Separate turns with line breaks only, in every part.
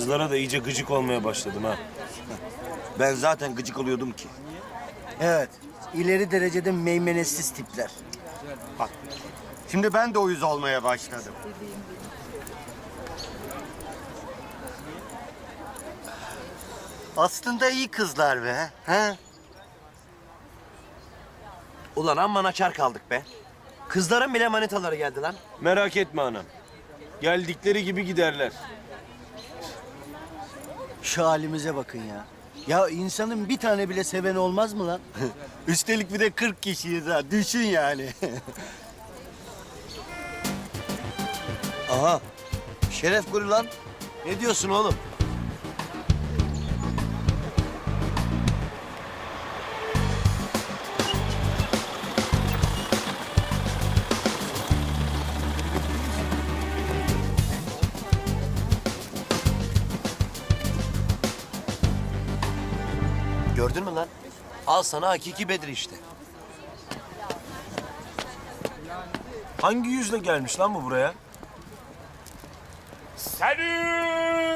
Kızlara da iyice gıcık olmaya başladım ha.
Ben zaten gıcık oluyordum ki.
Evet, ileri derecede meymenetsiz tipler.
Bak, şimdi ben de uyuz olmaya başladım. Aslında iyi kızlar be. He?
Ulan amma naçar kaldık be. Kızların bile manitaları geldi lan.
Merak etme anam. Geldikleri gibi giderler.
Şu halimize bakın ya. Ya insanın bir tane bile seven olmaz mı lan?
Üstelik bir de 40 kişiyiz ha. Düşün yani.
Aha. Şeref kuru lan. Ne diyorsun oğlum? Gördün mü lan? Al sana hakiki Bedir işte.
Hangi yüzle gelmiş lan bu buraya?
Salü!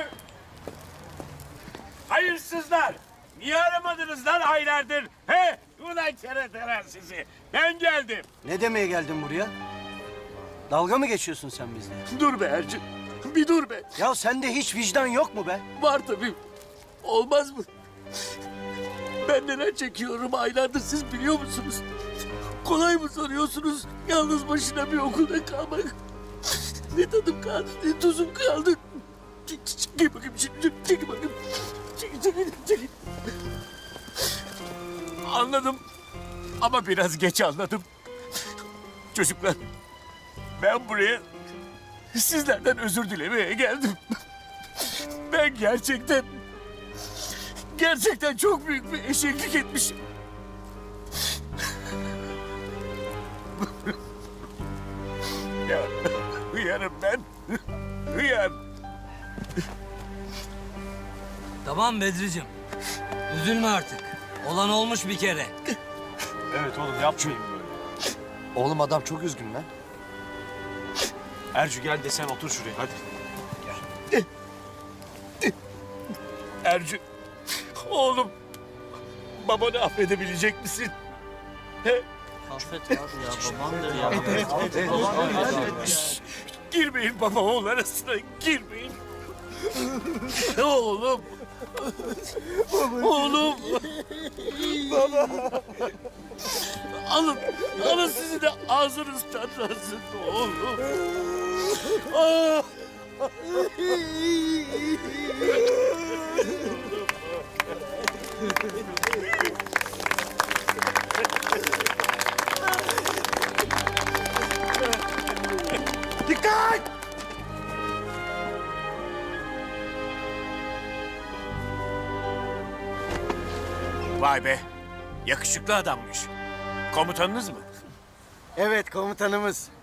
Hayırsızlar! Niye aramadınız lan aylardır? He? Ulan keratalar sizi. Ben geldim.
Ne demeye geldin buraya? Dalga mı geçiyorsun sen bizle?
Dur be Ercü. Bir dur be.
Ya sende hiç vicdan yok mu be?
Var tabii. Olmaz mı? Ben neler çekiyorum aylardır siz biliyor musunuz? Kolay mı sanıyorsunuz yalnız başına bir okulda kalmak? Ne tadım kaldı, ne tuzum kaldı. Çekil bakayım şimdi, çekil bakayım. Çekil. Anladım ama biraz geç anladım. Çocuklar, ben buraya sizlerden özür dilemeye geldim. Ben gerçekten çok büyük bir eşeklik etmişim. Ya, hıyarım ben. Hıyar.
Tamam Bedriciğim. Üzülme artık. Olan olmuş bir kere.
Evet oğlum yapmayın böyle.
Oğlum adam çok üzgün lan.
Ercü gel de sen otur şuraya hadi.
Ercü, oğlum, babanı affedebilecek misin? He?
Affet abi ya, babandır ya.
Girmeyin baba oğul arasına, girmeyin. Oğlum. Oğlum. Baba. Alın sizi de ağzınız tatlansın oğlum. Ah.
Dikkat!
Vay be, yakışıklı adammış. Komutanınız mı?
Evet, komutanımız.